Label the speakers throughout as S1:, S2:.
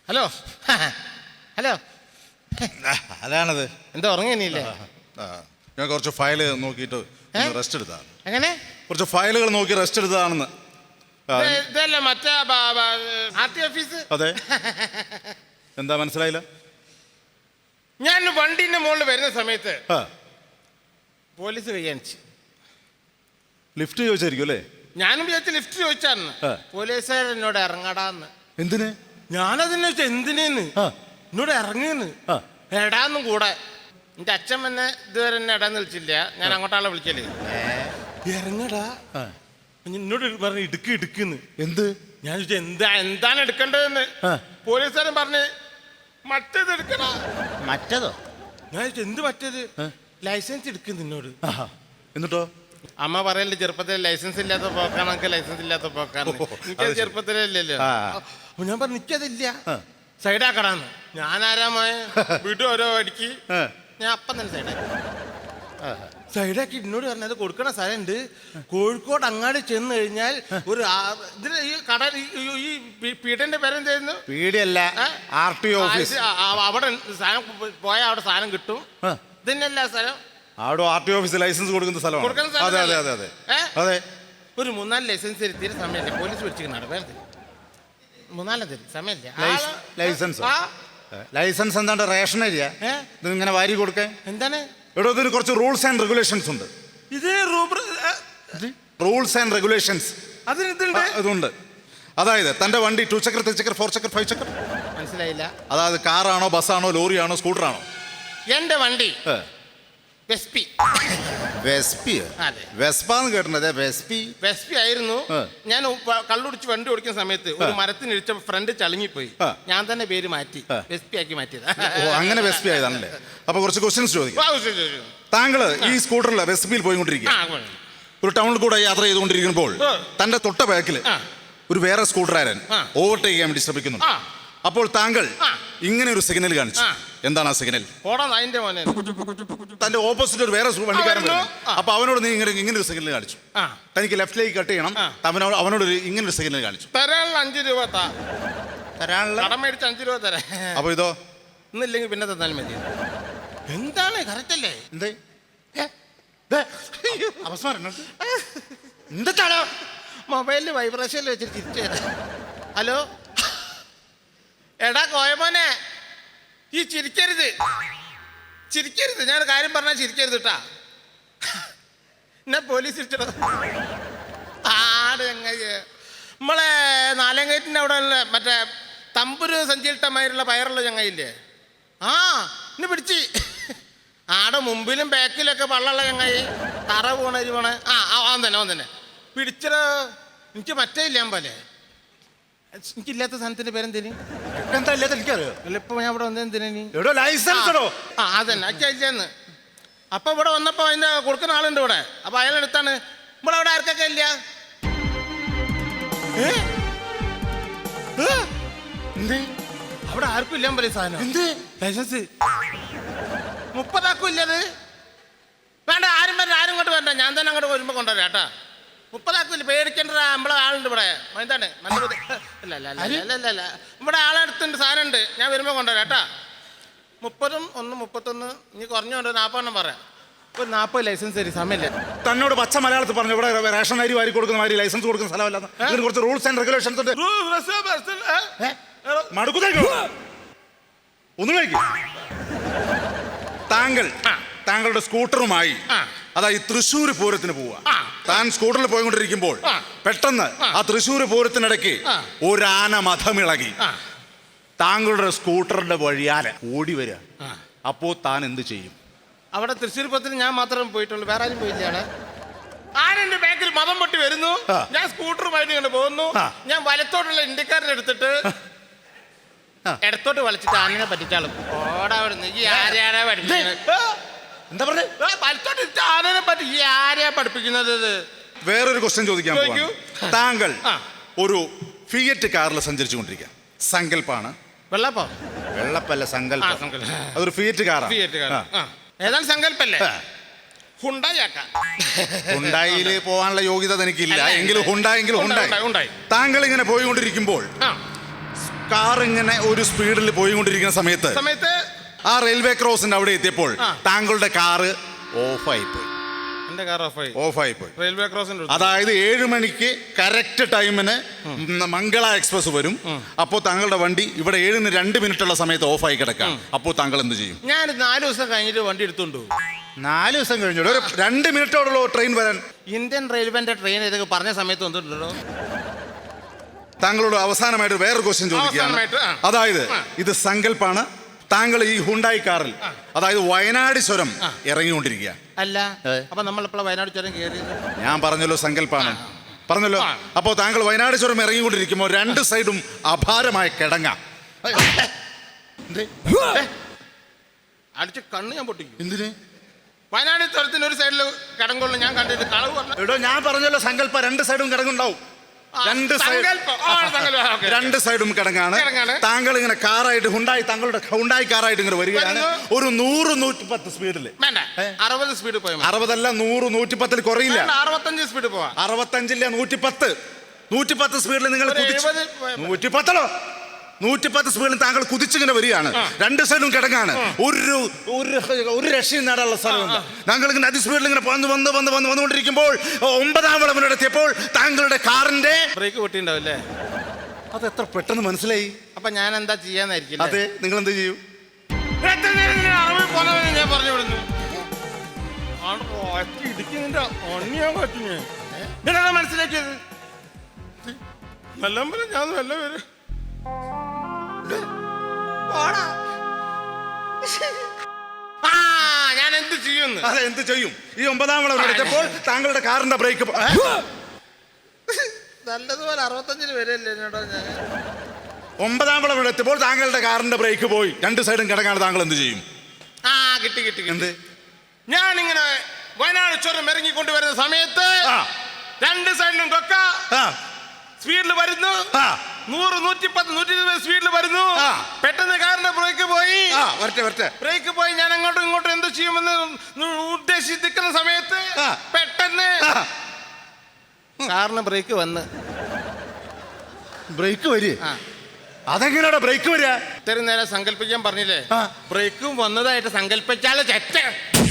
S1: Hello hello
S2: അതാണത്.
S1: എന്താ ഉറങ്ങിയില്ലേ?
S2: ഞാൻ കുറച്ച് ഫയൽ നോക്കിയിട്ട് റെസ്റ്റ് എടുത്താണ്.
S1: എങ്ങനെ?
S2: കുറച്ച് ഫയലുകൾ നോക്കി റെസ്റ്റ് എടുത്തതാണെന്ന്.
S1: ഇതല്ല മറ്റേ ആർടി ഓഫീസ്.
S2: അതെ. എന്താ മനസ്സിലായില്ല?
S1: ഞാൻ വണ്ടിന്റെ മുകളിൽ വരുന്ന സമയത്ത് പോലീസ് കൈകാണിച്ചു.
S2: ലിഫ്റ്റ് ചോദിച്ചായിരിക്കും അല്ലേ?
S1: ഞാനും വിചാരിച്ച ലിഫ്റ്റ് ചോദിച്ചാന്ന്. പോലീസുകാർ എന്നോട് ഇറങ്ങടാന്ന്.
S2: എന്തിന്?
S1: ഞാനതിനെ വെച്ചാൽ എന്തിനേന്ന് എന്നോട് ഇറങ്ങിയെന്ന്. എടാന്നും കൂടെ എന്റെ അച്ഛൻ എന്നെ ഇതുവരെ എന്നെ എടാന്ന് വിളിച്ചില്ല. ഞാൻ അങ്ങോട്ടാളെ വിളിക്കല്. ഇറങ്ങടാ എന്നോട് പറഞ്ഞു ഇടുക്ക് ഇടുക്കുന്ന്.
S2: എന്ത്?
S1: ഞാൻ ചോദിച്ചാൽ എന്താണ് എടുക്കേണ്ടതെന്ന്. പോലീസുകാരൻ പറഞ്ഞ് മറ്റേത് എടുക്കണ.
S2: മറ്റേതോ?
S1: ഞാൻ ചോദിച്ചു എന്ത് മറ്റേത്? ലൈസൻസ് എടുക്കുന്നു എന്നോട്.
S2: എന്നിട്ടോ?
S1: അമ്മ പറയല്ലേ ചെറുപ്പത്തിൽ ലൈസൻസ് ഇല്ലാത്ത പോക്കാണ്, ലൈസൻസ് ഇല്ലാത്ത പോക്കാണ്. എനിക്കത് ചെറുപ്പത്തിലേ ഇല്ലല്ലോ. അപ്പൊ ഞാൻ പറഞ്ഞു എനിക്കതില്ല, സൈഡാക്കടാന്ന്. ഞാൻ ആരാമായ വീട്ടിൽ ഓരോ അടിക്ക് ഞാൻ അപ്പം തന്നെ സൈഡാക്കി. സൈഡാക്കി എന്നോട് പറഞ്ഞത് കൊടുക്കണ സ്ഥലമുണ്ട്. കോഴിക്കോട് അങ്ങാടി ചെന്ന് കഴിഞ്ഞാൽ ഒരു ഇതിൽ ഈ കട ഈ പീഠന്റെ പേരെന്തായിരുന്നു?
S2: പീടിയല്ല, ആർടി ഓഫീസ്.
S1: അവിടെ സാധനം പോയാൽ അവിടെ സാധനം കിട്ടും. ഇതന്നെയല്ല സ്ഥലം.
S2: അവിടെ ആർടി ഓഫീസ് ലൈസൻസ് കൊടുക്കുന്ന സ്ഥലമാണ്. അതെ അതെ അതെ അതെ അതെ.
S1: ഒരു 3-4 ലൈസൻസ് തീരെ സമയമില്ല. പോലീസ് പിടിച്ചിരിക്കണം. വേറെ 3-4 തരും സമയമില്ല.
S2: ലൈസൻസ് ലൈസൻസ് എന്താണ്ട് റേഷൻ ഏരിയ ഇങ്ങനെ വാരി കൊടുക്കേ?
S1: എന്താണ്
S2: ഇവിടെ ഇതിന് കുറച്ച് റൂൾസ് ആൻഡ് റെഗുലേഷൻസ് ഉണ്ട്.
S1: ഇത്
S2: റൂൾസ് ആൻഡ് റെഗുലേഷൻസ് ഇതുണ്ട്. അതായത് തന്റെ വണ്ടി 2 ചക്ര 3 ചക്ര 4 ചക്ര 5 ചക്ര
S1: മനസ്സിലായില്ല.
S2: അതായത് കാറാണോ ബസ്സാണോ ലോറിയാണോ സ്കൂട്ടറാണോ?
S1: എന്റെ വണ്ടി വെസ്പി.
S2: വെസ്പാന്ന് കേട്ടിട്ടുണ്ട്.
S1: വെസ്പി ആയിരുന്നു. ഞാൻ കള്ളുടിച്ച് വണ്ടി ഓടിക്കുന്ന സമയത്ത് ഒരു മരത്തിന് ഇടിച്ച ഫ്രണ്ട് ചളുങ്ങിപ്പോയി. ഞാൻ തന്നെ പേര് മാറ്റി വെസ്പി ആക്കി മാറ്റിയത്.
S2: അങ്ങനെ വെസ്പി ആയതാണല്ലേ? അപ്പൊ കുറച്ച് ക്വസ്റ്റ്യൻസ് ചോദിക്കാം. താങ്കൾ ഈ സ്കൂട്ടറിൽ വെസ്പിയിൽ പോയിക്കൊണ്ടിരിക്കുക. ഒരു ടൗണിൽ കൂടെ യാത്ര ചെയ്തുകൊണ്ടിരിക്കുമ്പോൾ തന്റെ തൊട്ട ബാക്കിൽ ഒരു വേറെ സ്കൂട്ടറുകാരൻ ഓവർടേക്ക് ചെയ്യാൻ വേണ്ടി ശ്രമിക്കുന്നു. അപ്പോൾ താങ്കൾ ഇങ്ങനെ ഒരു സിഗ്നൽ കാണിച്ചു. എന്താണ് ആ സിഗ്നൽ? തന്റെ ഓപ്പോസിറ്റ് ഒരു വേറെ വണ്ടിക്കാരൻ വരുന്നു. അപ്പൊ അവനോട് നീ ഇങ്ങനെ ഒരു സിഗ്നൽ കാണിച്ചു. തനിക്ക് ലെഫ്റ്റിലേക്ക് കട്ട് ചെയ്യണം. അവനോട് ഇങ്ങനെ ഒരു സിഗ്നൽ കാണിച്ചു.
S1: 5 രൂപ തരാനുള്ള 5 രൂപ തരാം.
S2: അപ്പൊ ഇതോ?
S1: ഇന്നില്ലെങ്കിൽ പിന്നെ തന്നാലും മതി. എന്താണ് കറക്റ്റ് അല്ലേ? എന്താണോ മൊബൈലിൽ വൈബ്രേഷനിൽ വെച്ചിട്ട് തിരിച്ചു തരാം. ഹലോ എടാ കോയമോനെ, ഈ ചിരിക്കരുത്. ഞാൻ കാര്യം പറഞ്ഞാൽ ചിരിക്കരുത് കേട്ടാ. എന്നെ പോലീസ് തിരിച്ചടോ. നമ്മളെ നാലങ്കയറ്റിൻ്റെ അവിടെ ഉള്ള മറ്റേ തമ്പുരു സഞ്ചിയിട്ടമായിട്ടുള്ള പയറുള്ള ചങ്ങയില്ലേ? എന്നെ പിടിച്ച്. ആടെ മുമ്പിലും ബാക്കിലൊക്കെ പള്ളുള്ള ചങ്ങായി തറ പോണരി പോണേ. അവൻ തന്നെ പിടിച്ചടോ. എനിക്ക് മറ്റേ ഇല്ലാൻ പോലെ. എനിക്കില്ലാത്ത സാധനത്തിന്റെ പേരെന്തേനി?
S2: എന്താ ഇല്ലാത്ത എനിക്കറിയോ?
S1: ഇപ്പൊ ഞാൻ ഇവിടെ വന്നെന്തിനീ?
S2: ലൈസൻസ്
S1: അതന്നെ അച്ഛന്ന്. അപ്പൊ ഇവിടെ വന്നപ്പോ അതിന്റെ കൊടുക്കുന്ന ആളുണ്ട് ഇവിടെ. അപ്പൊ അയാളെടുത്താണ്. ഇവിടെ അവിടെ ആർക്കൊക്കെ ഇല്ല? അവിടെ ആർക്കും ഇല്ലാൻ പോലെ സാധനം. എന്ത് ലൈസൻസ്? 30 ആക്കും ഇല്ലത്. വേണ്ട, ആരും ഇങ്ങോട്ട് വേണ്ട. ഞാൻ തന്നെ അങ്ങോട്ട് വരുമ്പോ കൊണ്ടുവരാം കേട്ടാ. 30 ആക്കില്ല, പേടിക്കേണ്ട. നമ്മളെ ആളുണ്ട് ഇവിടെ. എന്താണ് അല്ല ഇവിടെ ആളെടുത്തുണ്ട്, സാധനം ഉണ്ട്. ഞാൻ വരുമ്പോൾ കൊണ്ടുവരാം കേട്ടാ. 31 ഇനി കുറഞ്ഞുകൊണ്ട് 40 പറയാം. ഒരു 40 ലൈസൻസ് തരും. സമയമില്ല.
S2: തന്നോട് പച്ച മലയാളത്തിൽ പറഞ്ഞു ഇവിടെ റേഷൻ അരി വാരി കൊടുക്കുന്ന മാതിരി ലൈസൻസ് കൊടുക്കുന്ന സ്ഥലമല്ല. ഇതിന് കുറച്ച് റൂൾസ് ആൻഡ് റെഗുലേഷൻസ് ഉണ്ട്. ഒന്നുമില്ല. താങ്കളുടെ സ്കൂട്ടറുമായി അതായത് തൃശ്ശൂർ പൂരത്തിന് പോവുക. താൻ സ്കൂട്ടറിൽ പോയിക്കൊണ്ടിരിക്കുമ്പോൾ പെട്ടെന്ന് ആ തൃശ്ശൂർ പൂരത്തിനിടയ്ക്ക് ഒരു ആന മഥമിളകി താങ്കളുടെ സ്കൂട്ടറിന്റെ വഴിയാലെ ഓടി വരിക. അപ്പോ താൻ എന്ത് ചെയ്യും?
S1: അവിടെ തൃശ്ശൂർ പൂരത്തിന് ഞാൻ മാത്രമേ പോയിട്ടുള്ളൂ, വേറെ ആരും പോയില്ല. അവിടെ ആരെന്റെ ബാക്കിൽ മതം പൊട്ടി വരുന്നു. ഞാൻ സ്കൂട്ടറുമായിട്ട് ഇങ്ങനെ പോകുന്നു. ഞാൻ വലത്തോട്ടുള്ള ഇന്ത്യക്കാരനെ എടുത്തിട്ട് ഇടത്തോട്ട് വലിച്ചിട്ട് ആനനെ പറ്റിച്ചാളും. ഓടാ ഈ ആരെയാണെ പഠിപ്പിക്കുന്നത്?
S2: എന്താ പറഞ്ഞേ?
S1: വലത്തോട്ട് ആനനെ പറ്റി ഈ ആരെയാ പഠിപ്പിക്കുന്നത്?
S2: വേറൊരു ക്വസ്റ്റ്യൻ ചോദിക്കാൻ പോകുന്നു. താങ്കൾ ഒരു ഫിയറ്റ് കാറിൽ സഞ്ചരിച്ചു കൊണ്ടിരിക്കുക. സങ്കല്പാണ്. വെള്ളപ്പല്ല, സങ്കല്പം. അതൊരു ഫിയറ്റ് കാറാണ്.
S1: ഏതാണ് സങ്കല്പല്ലേ?
S2: ഹുണ്ടായിൽ പോകാനുള്ള യോഗ്യത എനിക്കില്ല. എങ്കിലും ഹുണ്ടായി. താങ്കൾ ഇങ്ങനെ പോയിക്കൊണ്ടിരിക്കുമ്പോൾ കാർ ഇങ്ങനെ ഒരു സ്പീഡിൽ പോയിക്കൊണ്ടിരിക്കുന്ന സമയത്ത് ആ റെയിൽവേ ക്രോസിന്റെ അവിടെ എത്തിയപ്പോൾ താങ്കളുടെ കാറ് ഓഫായിപ്പോയി.
S1: എന്റെ കാർ
S2: ഓഫായിപ്പോയി.
S1: റെയിൽവേ ക്രോസിന്റെ
S2: അതായത് 7 മണിക്ക് കറക്റ്റ് ടൈമിന് മംഗള എക്സ്പ്രസ് വരും. അപ്പോൾ താങ്കളുടെ വണ്ടി ഇവിടെ 7:02 സമയത്ത് ഓഫായി കിടക്കാം. അപ്പോൾ താങ്കൾ എന്ത് ചെയ്യും?
S1: ഞാൻ 4 ദിവസം കഴിഞ്ഞിട്ട് വണ്ടി എടുത്തോണ്ടു.
S2: 4 ദിവസം കഴിഞ്ഞു ഒരു 2 മിനിറ്റോടുള്ള ട്രെയിൻ വരാൻ.
S1: ഇന്ത്യൻ റെയിൽവേന്റെ ട്രെയിൻ ഇതൊക്കെ പറഞ്ഞ സമയത്ത് വന്നിട്ടുണ്ടോ?
S2: താങ്കളോട് അവസാനമായിട്ട് വേറൊരു ക്വസ്റ്റ്യൻ ചോദിക്കുകയാണ്. അതായത് ഇത് സങ്കല്പാണ്. താങ്കൾ ഈ ഹുണ്ടായി കാറിൽ അതായത് വയനാട് ചുരം ഇറങ്ങിക്കൊണ്ടിരിക്കുക.
S1: അല്ല, അപ്പൊ നമ്മളെപ്പോഴാണ് വയനാട് ചുരം കയറിയത്?
S2: ഞാൻ പറഞ്ഞല്ലോ സങ്കല്പാണ് പറഞ്ഞല്ലോ. അപ്പോൾ താങ്കൾ വയനാട് ചുരം ഇറങ്ങിക്കൊണ്ടിരിക്കുമ്പോൾ 2 സൈഡും അപാരമായ കിടങ്ങ
S1: അടിച്ച് കണ്ണ് ഞാൻ പൊട്ടിക്കും.
S2: എന്തിന്?
S1: വയനാട് ചുരത്തിന് ഒരു സൈഡിൽ കിടങ്ങുള്ളൂ. ഞാൻ കണ്ടിട്ട് കളവ്
S2: എടോ, ഞാൻ പറഞ്ഞല്ലോ സങ്കല്പ 2 സൈഡും കിടങ്ങുണ്ടാവും. 2 സൈഡും കിടങ്ങാണ്. താങ്കൾ ഇങ്ങനെ കാറായിട്ട് താങ്കളുടെ ഹുണ്ടായി കാറായിട്ട് ഇങ്ങനെ വരികയാണ്. ഒരു 100-110 സ്പീഡിൽ.
S1: 60 സ്പീഡ് പോയി.
S2: 60 അല്ല, 100-110 കുറയില്ല.
S1: 65 സ്പീഡ് പോവാ.
S2: 65 110. 110 സ്പീഡിൽ നിങ്ങൾ 110 സ്പീഡിൽ താങ്കൾ കുതിച്ചിങ്ങനെ വരികയാണ്. 2 സൈഡും കിടങ്ങാണ്. ഒരു രക്ഷയും നേടാനുള്ള സ്ഥലമുണ്ട്. താങ്കൾ ഇങ്ങനെ അതിസ്പീഡിൽ ഇങ്ങനെ വന്നുകൊണ്ടിരിക്കുമ്പോൾ 9ാം വളവിലെത്തിയപ്പോൾ താങ്കളുടെ കാറിന്റെ
S1: ബ്രേക്ക് പൊട്ടിണ്ടാവില്ലേ?
S2: അത് എത്ര പെട്ടെന്ന് മനസ്സിലായി?
S1: അപ്പൊ ഞാൻ എന്താ ചെയ്യാന്നായിരിക്കും?
S2: അതെ, നിങ്ങൾ എന്ത് ചെയ്യും?
S1: ഞാൻ പറഞ്ഞു വിടുന്നു. മനസ്സിലാക്കിയത് നല്ല ഞാൻ നല്ല പേര് ഞാൻ എന്ത് ചെയ്യുന്നു?
S2: അതെ, എന്ത് ചെയ്യും? ഈ 9ാം വളവിലെത്തിയപ്പോൾ താങ്കളുടെ കാറിന്റെ ബ്രേക്ക്
S1: നല്ലതുപോലെ 65 വരെയല്ലേ?
S2: 9ാം വളവിലെത്തിയപ്പോൾ താങ്കളുടെ കാറിന്റെ ബ്രേക്ക് പോയി. 2 സൈഡും കിടങ്ങാണ്. താങ്കൾ എന്ത് ചെയ്യും?
S1: കിട്ടി.
S2: എന്ത്?
S1: ഞാനിങ്ങനെ വയനാട് ചുരം ഇറങ്ങിക്കൊണ്ടുവരുന്ന സമയത്ത് 2 സൈഡിലും കൊക്ക സ്പീഡിൽ വരുന്നു. 100-110-120 സ്പീഡിൽ വരുന്നു. പെട്ടെന്ന് കാറിന്റെ ബ്രേക്ക് പോയി. ബ്രേക്ക് പോയി. ഞാൻ അങ്ങോട്ടും ഇങ്ങോട്ടും എന്ത് ചെയ്യുമെന്ന് ഉദ്ദേശിക്കുന്ന സമയത്ത് പെട്ടെന്ന് കാറിന് ബ്രേക്ക് വന്ന്
S2: അതെങ്ങനെയാ ബ്രേക്ക് വരിക?
S1: ഇത്രയും നേരം സങ്കല്പിക്കാൻ പറഞ്ഞില്ലേ? ബ്രേക്കും വന്നതായിട്ട് സങ്കല്പിച്ചാലേ തെറ്റ്.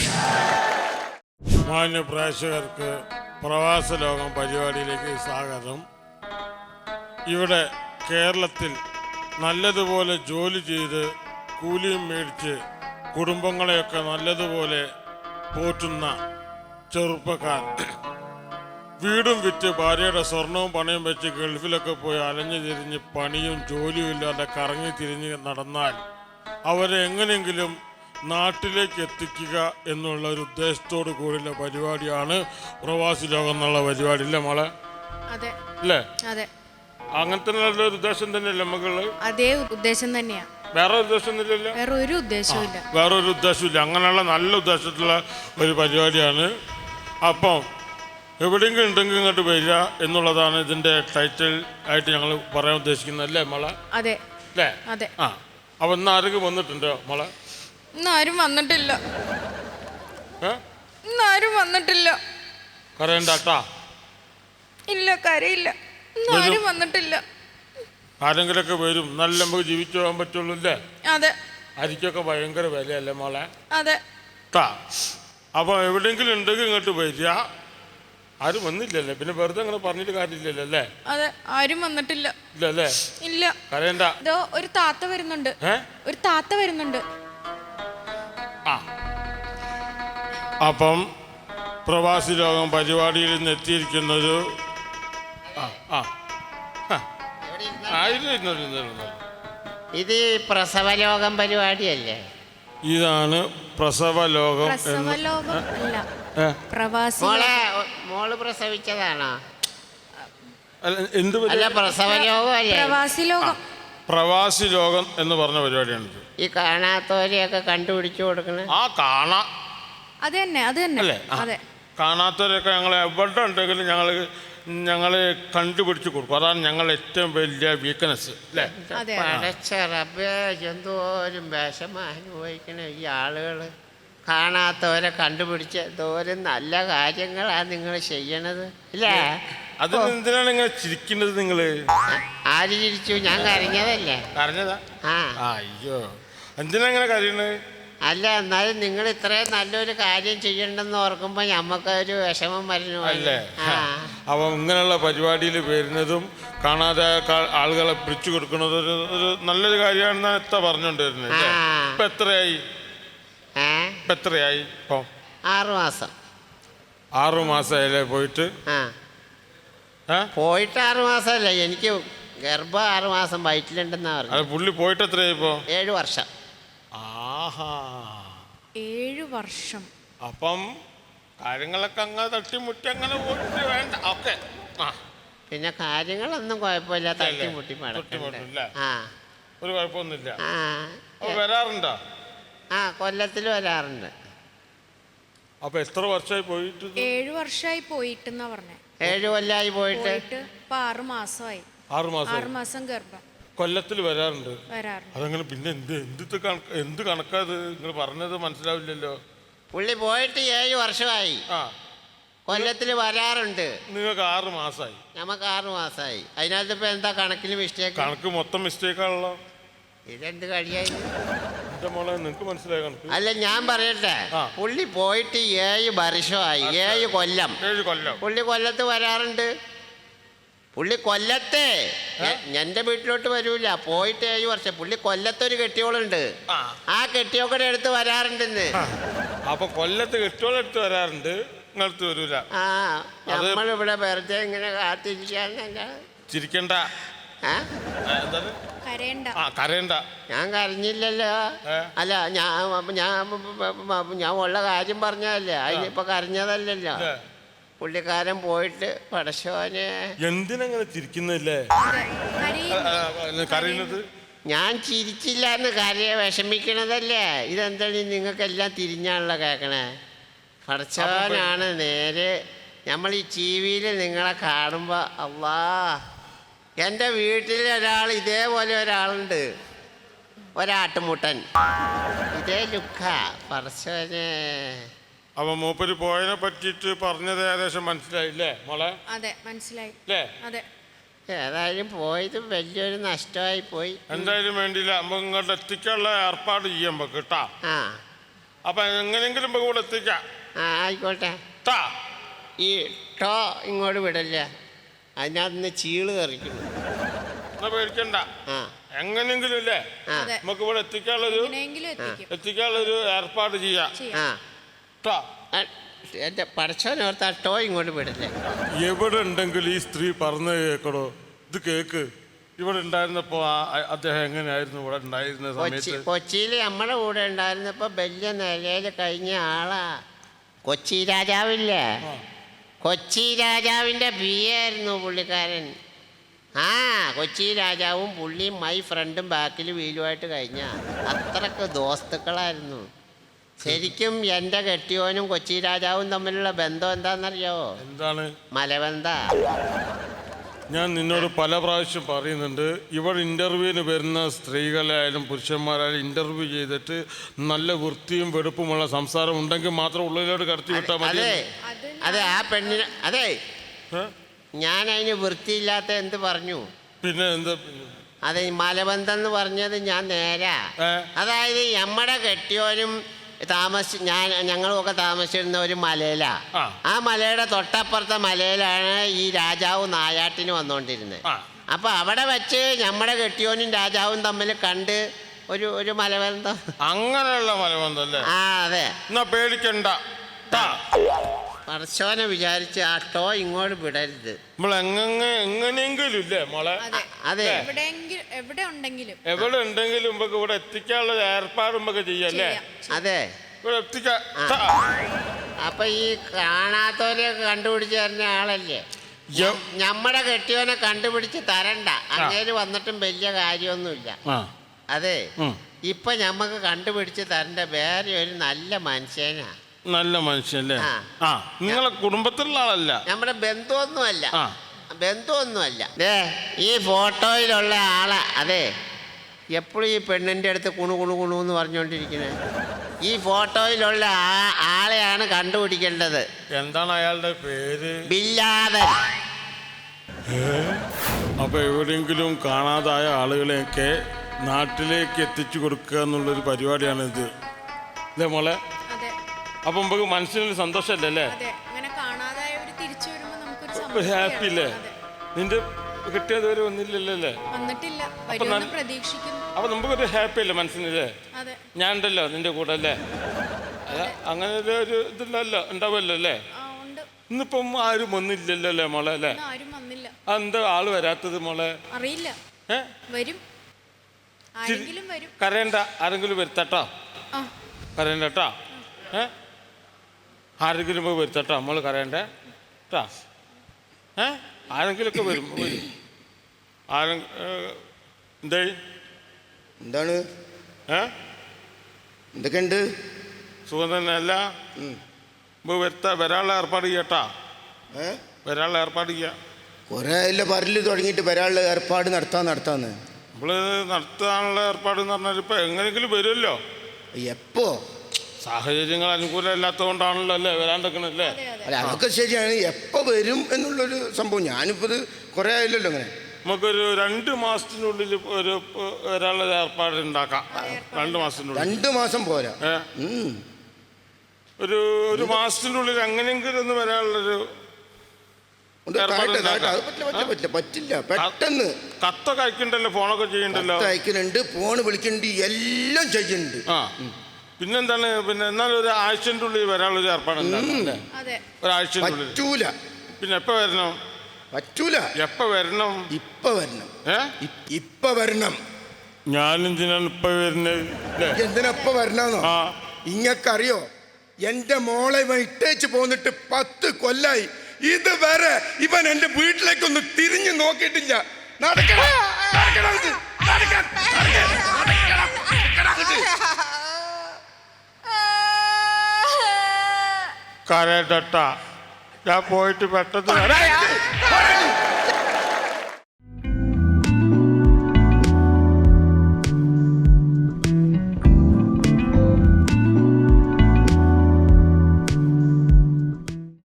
S1: മാന്യ പ്രേക്ഷകർക്ക് പ്രവാസ ലോകം പരിപാടിയിലേക്ക് സ്വാഗതം. ഇവിടെ കേരളത്തിൽ നല്ലതുപോലെ ജോലി ചെയ്ത് കൂലിയും മേടിച്ച് കുടുംബങ്ങളെയൊക്കെ നല്ലതുപോലെ പോറ്റുന്ന ചെറുപ്പക്കാർ വീടും വിറ്റ് ഭാര്യയുടെ സ്വർണവും പണയും വെച്ച് ഗൾഫിലൊക്കെ പോയി അലഞ്ഞു തിരിഞ്ഞ് പണിയും ജോലിയും ഇല്ലാതെ കറങ്ങി തിരിഞ്ഞ് നടന്നാൽ അവരെ എങ്ങനെയെങ്കിലും നാട്ടിലേക്ക് എത്തിക്കുക എന്നുള്ള ഒരു ഉദ്ദേശത്തോടു കൂടിയുള്ള പരിപാടിയാണ് പ്രവാസി ലോകം എന്നുള്ള പരിപാടി. ഇല്ലേ മോളെ? അല്ലേ? അങ്ങനത്തെ ഒരു ഉദ്ദേശം തന്നെയല്ലേ മകള്?
S3: അതേ ഉദ്ദേശം തന്നെയാ.
S1: വേറെ ഉദ്ദേശം ഇല്ലല്ലോ?
S3: വേറൊരു ഉദ്ദേശമില്ല.
S1: വേറൊരു ഉദ്ദേശമില്ല. അങ്ങനെയുള്ള നല്ല ഉദ്ദേശത്തിലുള്ള ഒരു പരിപാടിയാണ്. അപ്പം എവിടെയെങ്കിലും ഉണ്ടെങ്കിൽ ഇങ്ങോട്ട് വരിക എന്നുള്ളതാണ് ഇതിന്റെ ടൈറ്റിൽ ആയിട്ട് ഞങ്ങൾ പറയാൻ ഉദ്ദേശിക്കുന്നത്. അല്ലേ മോളെ?
S3: അതെ.
S1: അല്ലേ?
S3: അതെ.
S1: അപ്പൊ ഇന്ന് ആരെങ്കിലും വന്നിട്ടുണ്ടോ മോളെ?
S3: ഇന്നാരും വന്നിട്ടില്ല. ഇന്നാരും വന്നിട്ടില്ല.
S1: കരയണ്ടാട്ടാ.
S3: ഇല്ല, കരയില്ല. ഇന്നാരും വന്നിട്ടില്ല.
S1: ആരെങ്കിലൊക്കെ വരും. നല്ല നമുക്ക് ജീവിച്ചു പോകാൻ പറ്റുള്ളൂ. അല്ലേ?
S3: അതെ.
S1: അരിക്കൊക്കെ ഭയങ്കര വിലയല്ലേ മോളെ?
S3: അതെ.
S1: അപ്പൊ എവിടെയെങ്കിലും ഉണ്ടെങ്കിൽ ഇങ്ങോട്ട് വരിക. ആരും വന്നില്ലല്ലേ? പിന്നെ വെറുതെ അങ്ങനെ പറഞ്ഞിട്ട് കാര്യമില്ലല്ലോ. അല്ലേ?
S3: അതെ, ആരും വന്നിട്ടില്ല.
S1: ഇല്ലല്ലേ?
S3: ഇല്ല.
S1: കരയണ്ട.
S3: ഒരു താത്ത വരുന്നുണ്ട്. ഒരു താത്ത വരുന്നുണ്ട്.
S1: അപ്പം പ്രവാസി ലോകം പരിപാടിയിൽ നിന്ന് എത്തിയിരിക്കുന്നത്
S4: ഇത് പ്രസവലോകം പരിപാടിയല്ലേ?
S1: ഇതാണ് പ്രസവലോകം.
S4: മോള് പ്രസവിച്ചതാണോ?
S1: എന്ത്? പ്രവാസി ലോകം എന്ന് പറഞ്ഞ പരിപാടിയാണ്.
S4: ഈ കാണാത്തവരെയൊക്കെ കണ്ടുപിടിച്ചു കൊടുക്കണേ.
S3: അത് തന്നെ. അതെ.
S1: കാണാത്തവരൊക്കെ ഞങ്ങൾ എവിടെ ഉണ്ടെങ്കിലും ഞങ്ങൾ കണ്ടുപിടിച്ചു കൊടുക്കും. അതാണ് ഞങ്ങളുടെ ഏറ്റവും വലിയ വീക്ക്നെസ്. അല്ലേ?
S4: പടച്ച റബ്ബേ, എന്തോരം വിഷമം അനുഭവിക്കണ ഈ ആളുകൾ. കാണാത്തവരെ കണ്ടുപിടിച്ച എന്തോരം നല്ല കാര്യങ്ങളാണ് നിങ്ങൾ ചെയ്യണത് അല്ലേ?
S1: അതിനെന്തിനാണ് ഇങ്ങനെ ചിരിക്കുന്നത് നിങ്ങള്?
S4: ആര് ചിരിച്ചു? ഞാൻ കരഞ്ഞതല്ലേ.
S1: കരഞ്ഞതാ?
S4: ആ
S1: അയ്യോ, എന്തിനാ ഇങ്ങനെ കരയണത്?
S4: അല്ല, എന്നാലും നിങ്ങൾ ഇത്രയും നല്ലൊരു കാര്യം ചെയ്യണ്ടെന്ന് ഓർക്കുമ്പോ ഞമ്മക്കൊരു വിഷമം വരുന്നു
S1: അല്ലേ?
S4: ആ
S1: അപ്പൊ ഇങ്ങനെയുള്ള പരിപാടിയിൽ വരുന്നതും കാണാതെ ആളുകളെ പിടിച്ചു കൊടുക്കുന്നത് ഒരു നല്ലൊരു കാര്യമാണെന്നാണ് എത്ര പറഞ്ഞുകൊണ്ടിരുന്നത്. ഇപ്പൊ എത്രയായി? ഇപ്പൊ എത്രയായി? ഇപ്പൊ
S4: 6 മാസം.
S1: 6 മാസമായില്ലേ പോയിട്ട്?
S4: പോയിട്ട് 6 മാസമല്ല, എനിക്ക് ഗർഭം 6 മാസം വയറ്റിലുണ്ടെന്നാ പറഞ്ഞു.
S1: അത് പുള്ളി പോയിട്ട് എത്രയായി ഇപ്പോ?
S4: 7 വർഷം.
S1: ആഹാ,
S3: 7 വർഷം.
S1: അപ്പം കാര്യങ്ങളൊക്കെ അങ്ങനെ തട്ടിമുട്ടി അങ്ങനെ പോയിട്ട് വേണ്ട. ഓക്കെ,
S4: പിന്നെ കാര്യങ്ങളൊന്നും കുഴപ്പമില്ല, തട്ടിമുട്ടി
S1: തട്ടിമുട്ടില്ല,
S4: ആ
S1: ഒരു കുഴപ്പമൊന്നുമില്ല.
S4: ആ
S1: വരാറുണ്ടോ?
S4: ആ കൊല്ലത്തിൽ വരാറുണ്ട്.
S1: അപ്പൊ എത്ര വർഷമായി പോയിട്ട്?
S3: 7 വർഷമായി പോയിട്ടെന്നാ പറഞ്ഞേ.
S4: 7 കൊല്ലമായി പോയിട്ട്
S3: ഇപ്പൊ 6 മാസമായി.
S1: 6
S3: മാസം ഗർഭം.
S1: കൊല്ലത്തിൽ വരാറുണ്ട്.
S3: വരാറുണ്ട്.
S1: അതങ്ങനെ പിന്നെ എന്ത് കണക്കാത് നിങ്ങൾ പറഞ്ഞത് മനസ്സിലാവില്ലല്ലോ.
S4: പുള്ളി പോയിട്ട് 7 വർഷമായി. കൊല്ലത്തിൽ വരാറുണ്ട്.
S1: നിങ്ങൾക്ക് 6 മാസമായി.
S4: നമുക്ക് 6 മാസമായി. അതിനകത്ത് ഇപ്പൊ എന്താ കണക്കിന് മിസ്റ്റേക്ക്?
S1: കണക്ക് മൊത്തം മിസ്റ്റേക്കാണല്ലോ.
S4: ഇതെന്ത് കഴിയായി?
S1: എന്റെ മോളെ, നിങ്ങക്ക് മനസ്സിലായ കണക്ക്?
S4: അല്ല, ഞാൻ പറയട്ടെ, പുള്ളി പോയിട്ട് 7 വർഷമായി. 7 കൊല്ലം.
S1: 7 കൊല്ലം
S4: പുള്ളി കൊല്ലത്ത് വരാറുണ്ട്. പുള്ളി കൊല്ലത്തെ എന്റെ വീട്ടിലോട്ട് വരൂല. പോയിട്ട് 7 വർഷം. പുള്ളി കൊല്ലത്തൊരു കെട്ടിയോളുണ്ട്. ആ കെട്ടിയോക്കടെ അടുത്ത് വരാറുണ്ടെന്ന്.
S1: അപ്പൊ കൊല്ലത്ത് കെട്ടിയോളെടുത്ത് വരാറുണ്ട്, നിങ്ങളടുത്ത് വരൂല.
S4: ആ നമ്മളിവിടെ വെറുതെ ഇങ്ങനെ കാത്തിരിക്കാന്നല്ല.
S1: ചിരിക്കണ്ട. എന്താണ്? കരയണ്ട.
S4: ഞാൻ കരഞ്ഞില്ലല്ലോ. അല്ല, ഞാൻ ഉള്ള കാര്യം പറഞ്ഞതല്ലേ, അതിനിപ്പോ കരഞ്ഞതല്ലല്ലോ. പുള്ളിക്കാരൻ പോയിട്ട് പടശോനെ.
S1: എന്തിനങ്ങനെ ചിരിക്കുന്നില്ലേ? കരയുന്നത്
S4: ഞാൻ ചിരിച്ചില്ല എന്ന് വിഷമിക്കണതല്ലേ. ഇതെന്താണ് നിങ്ങൾക്കെല്ലാം തിരിഞ്ഞാണല്ലോ കേൾക്കണേ. പടച്ചോനാണ് നേരെ. നമ്മൾ ഈ ടി വിയിൽ നിങ്ങളെ കാണുമ്പോൾ അള്ളാ, എൻ്റെ വീട്ടിൽ ഇതേപോലെ ഒരാളുണ്ട്, ഒരാട്ടുമുട്ടൻ, ഇതേ ലുക്കാ. പടച്ചോനെ.
S1: അപ്പൊ മൂപ്പര് പോയതിനെ പറ്റിയിട്ട് പറഞ്ഞത് ഏകദേശം മനസ്സിലായില്ലേ മോളെ?
S3: അതെ, മനസ്സിലായി. അതെ,
S4: ഏതായാലും പോയത് വലിയൊരു നഷ്ടമായി പോയി.
S1: എന്തായാലും വേണ്ടിയില്ല, നമുക്ക് ഇങ്ങോട്ട് എത്തിക്കാനുള്ള ഏർപ്പാട് ചെയ്യാൻ കേട്ടാ. അപ്പൊ എങ്ങനെയെങ്കിലും ഇവിടെ എത്തിക്കാം.
S4: ആയിക്കോട്ടെ. ഈ ടോ ഇങ്ങോട്ട് വിടല്ലേ, അതിനകത്ത് ചീള് കറിക്കുന്നു.
S1: എന്നാ പേടിക്കണ്ട, എങ്ങനെയെങ്കിലും ഇല്ലേ നമുക്ക് ഇവിടെ എത്തിക്കാനുള്ളൊരു ഏർപ്പാട് ചെയ്യാം.
S4: എന്റെ പടച്ചോനോർത്ത് ആ ടോ ഇങ്ങോട്ട് വിടല്ലേ.
S1: എവിടെ ഉണ്ടെങ്കിലും ഈ സ്ത്രീ പറഞ്ഞു കേക്കടോ, ഇത് കേക്ക്. ഇവിടെ ഉണ്ടായിരുന്നപ്പോ അദ്ദേഹം എങ്ങനെയായിരുന്നു ഇവിടെ ഉണ്ടായിരുന്ന സമയത്ത്?
S4: കൊച്ചിയിൽ നമ്മുടെ കൂടെ ഉണ്ടായിരുന്നപ്പോ വലിയ നിലയിൽ കഴിഞ്ഞ ആളാ. കൊച്ചി രാജാവില്ലേ, കൊച്ചി രാജാവിന്റെ ആയിരുന്നു പുള്ളിക്കാരൻ. കൊച്ചി രാജാവും പുള്ളിയും മൈ ഫ്രണ്ടും ബാക്കിൽ വീലുമായിട്ട് കഴിഞ്ഞ അത്രക്ക് ദോസ്തുക്കളായിരുന്നു. ശരിക്കും എൻ്റെ കെട്ടിയോനും കൊച്ചി രാജാവും തമ്മിലുള്ള ബന്ധം എന്താണെന്നറിയാവോ?
S1: എന്താണ്?
S4: മലബന്ധ.
S1: ഞാൻ നിന്നോട് പല പ്രാവശ്യം പറയുന്നുണ്ട്, ഇവിടെ ഇന്റർവ്യൂവിന് വരുന്ന സ്ത്രീകളായാലും പുരുഷന്മാരായാലും ഇന്റർവ്യൂ ചെയ്തിട്ട് നല്ല വൃത്തിയും വെടുപ്പുമുള്ള സംസാരം ഉണ്ടെങ്കിൽ മാത്രം ഉള്ളിലോട്ട് കടത്തി വിട്ടാൽ മതി.
S4: അതെ, ആ പെണ്ണിന് അതെ, ഞാൻ അതിന് വൃത്തിയില്ലാത്ത എന്ത് പറഞ്ഞു?
S1: പിന്നെ എന്താ?
S4: അതെ, മലബന്ധം എന്ന് പറഞ്ഞത് ഞാൻ നേരാ. അതായത് നമ്മുടെ കെട്ടിയോനും ഞങ്ങളുമൊക്കെ താമസിച്ചിരുന്ന ഒരു മലയിലാ. ആ മലയുടെ തൊട്ടപ്പുറത്തെ മലയിലാണ് ഈ രാജാവ് നായാട്ടിന് വന്നുകൊണ്ടിരുന്നത്. അപ്പൊ അവിടെ വെച്ച് നമ്മുടെ കെട്ടിയോനും രാജാവും തമ്മിൽ കണ്ട് ഒരു മലബന്ധം.
S1: അങ്ങനെയുള്ള മലബന്ധം അല്ലേ?
S4: അതെ.
S1: എന്നാ പേടിക്കണ്ട.
S4: പടച്ചോനെ വിചാരിച്ച് ആ ടോ ഇങ്ങോട്ട് വിടരുത്.
S1: എങ്ങനെയെങ്കിലും ഇല്ലേ മോളെ?
S4: അതെ,
S3: എവിടെ ഉണ്ടെങ്കിലും
S1: ഇവിടെ എത്തിക്കാനുള്ള ഏർപ്പാട് നമുക്ക് ചെയ്യല്ലേ?
S4: അതെ,
S1: ഇവിടെ എത്തിക്കാം.
S4: അപ്പൊ ഈ കാണാത്തവരെയൊക്കെ കണ്ടുപിടിച്ച് തരുന്ന ആളല്ലേ. നമ്മുടെ കെട്ടിയവനെ കണ്ടുപിടിച്ച് തരണ്ട. അങ്ങേര് വന്നിട്ടും വലിയ കാര്യമൊന്നുമില്ല. അതെ, ഇപ്പൊ ഞമ്മക്ക് കണ്ടുപിടിച്ച് തരണ്ട വേറെ ഒരു നല്ല മനുഷ്യനാ.
S1: നല്ല മനുഷ്യല്ലേ? നിങ്ങളെ കുടുംബത്തിലുള്ള ആളല്ല,
S4: നമ്മുടെ ബന്ധുവൊന്നുമല്ല. ഈ ഫോട്ടോയിലുള്ള ആളെ. അതെ, എപ്പോഴും ഈ പെണ്ണിൻ്റെ അടുത്ത് കുണു കുണു കുണു എന്ന് പറഞ്ഞുകൊണ്ടിരിക്കുന്നത്? ഈ ഫോട്ടോയിലുള്ള ആളെയാണ് കണ്ടുപിടിക്കേണ്ടത്.
S1: എന്താണ് അയാളുടെ പേര്?
S4: ബില്ലാദൻ.
S1: അപ്പൊ എവിടെയെങ്കിലും കാണാതായ ആളുകളെയൊക്കെ നാട്ടിലേക്ക് എത്തിച്ചു കൊടുക്കുക എന്നുള്ളൊരു പരിപാടിയാണ് ഇത്, അല്ലേ മോളെ?
S3: അതെ
S1: അപ്പൊ നമുക്ക് മനസ്സിനൊരു സന്തോഷമല്ലേ?
S3: അതെ അങ്ങനെ കാണാതായവര് തിരിച്ചു വരുമ്പോ നമുക്കൊരു
S1: ഒരു
S3: സന്തോഷമാണ്.
S1: ഹാപ്പി അല്ലേ?
S3: അതെ.
S1: നിന്റെ കിട്ടിയതുവരെ ഒന്നില്ലല്ലോ അല്ലേ?
S3: വന്നിട്ടില്ല, വരുമെന്ന് പ്രതീക്ഷിക്കുന്നു.
S1: അപ്പൊ നമുക്കൊരു ഹാപ്പി അല്ലേ മനസ്സിനല്ലേ?
S3: അതെ
S1: ഞാൻ ഉണ്ടല്ലോ നിന്റെ കൂടെ അല്ലേ? അല്ല അങ്ങനെ ഒരു ഇതില്ലല്ലോ, ഉണ്ടാവുമല്ലോ അല്ലേ?
S3: ആ ഉണ്ട്.
S1: ഇന്നിപ്പം ആരും ഒന്നില്ലല്ലോ അല്ലേ മോളെ അല്ലേ?
S3: ഇന്ന് ആരും വന്നില്ല.
S1: എന്താ ആള് വരാത്തത് മോളെ?
S3: അറിയില്ല, വരും, ആരെങ്കിലും വരും.
S1: കരയണ്ട, ആരെങ്കിലും വരുത്തട്ടോ,
S3: ആ
S1: കരയണ്ട കേട്ടോ. ആരെങ്കിലും പോയി വരുത്തട്ടോ, നമ്മള് കരയണ്ടേ കേട്ടോ. ആരെങ്കിലുമൊക്കെ വരും. എന്തേ
S5: എന്താണ് എന്തൊക്കെയുണ്ട്?
S1: സുഖം തന്നെ അല്ല? വരാനുള്ള ഏർപ്പാട് ചെയ്യട്ടാ, വരാനുള്ള ഏർപ്പാട് ചെയ്യാം.
S5: കുറേ ആയില്ല പറല് തുടങ്ങിയിട്ട് വരാനുള്ള ഏർപ്പാട് നടത്താന്ന്
S1: നമ്മള് നടത്താനുള്ള ഏർപ്പാട് എന്ന് പറഞ്ഞാൽ ഇപ്പൊ എങ്ങനെയെങ്കിലും വരുമല്ലോ.
S5: എപ്പോ?
S1: സാഹചര്യങ്ങൾ അനുകൂലമല്ലാത്തത് കൊണ്ടാണല്ലോ അല്ലേ വരാണ്ടിരിക്കണല്ലേ?
S5: അല്ല അതൊക്കെ ശരിയാണ്. എപ്പോ വരും എന്നുള്ളൊരു സംഭവം. ഞാനിപ്പോ ഇത് കുറേ ആയില്ലല്ലോ അങ്ങനെ.
S1: നമുക്കൊരു 2 മാസത്തിനുള്ളിൽ ഒരു വരാനുള്ള ഏർപ്പാട് ഉണ്ടാക്കാം. 2 മാസത്തിനുള്ളിൽ.
S5: 2 മാസം പോരാ.
S1: ഒരു മാസത്തിനുള്ളിൽ എങ്ങനെയെങ്കിലും ഒന്ന് വരാനുള്ളൊരു
S5: പറ്റില്ല. പെട്ടെന്ന്
S1: കത്തൊക്കെ അയക്കണ്ടല്ലോ, ഫോണൊക്കെ ചെയ്യണ്ടല്ലോ.
S5: അയക്കുന്നുണ്ട്, ഫോണ് വിളിക്കുന്നുണ്ട്, എല്ലാം ചെയ്യുന്നുണ്ട്.
S1: പിന്നെന്താണ്? പിന്നെ എന്നാലും ഒരു ആഴ്ചൻ്റെ ഉള്ളിൽ വരാനുള്ളൊരു ഏർപ്പാട് ഉണ്ടാകും. ഒരാഴ്ചൻ്റെ ഉള്ളിൽ
S5: പറ്റൂല.
S1: പിന്നെ എപ്പോ വരണം?
S5: പറ്റൂല.
S1: എപ്പോ വരണം?
S5: ഇപ്പൊ വരണം. ഇപ്പൊ വരണം.
S1: ഞാനെന്തിനാണ് ഇപ്പൊ വരുന്നത്?
S5: എന്തിനാ ഇപ്പൊ വരണോ? ഇങ്ങക്കറിയോ, എന്റെ മോളെ ഇവൻ ഇട്ടേച്ച് പോന്നിട്ട് 10 കൊല്ലായി. ഇതുവരെ ഇവൻ എന്റെ വീട്ടിലേക്കൊന്ന് തിരിഞ്ഞു നോക്കിയിട്ടില്ല.
S1: കരട്ട, ഞാൻ പോയിട്ട് പെട്ടെന്ന്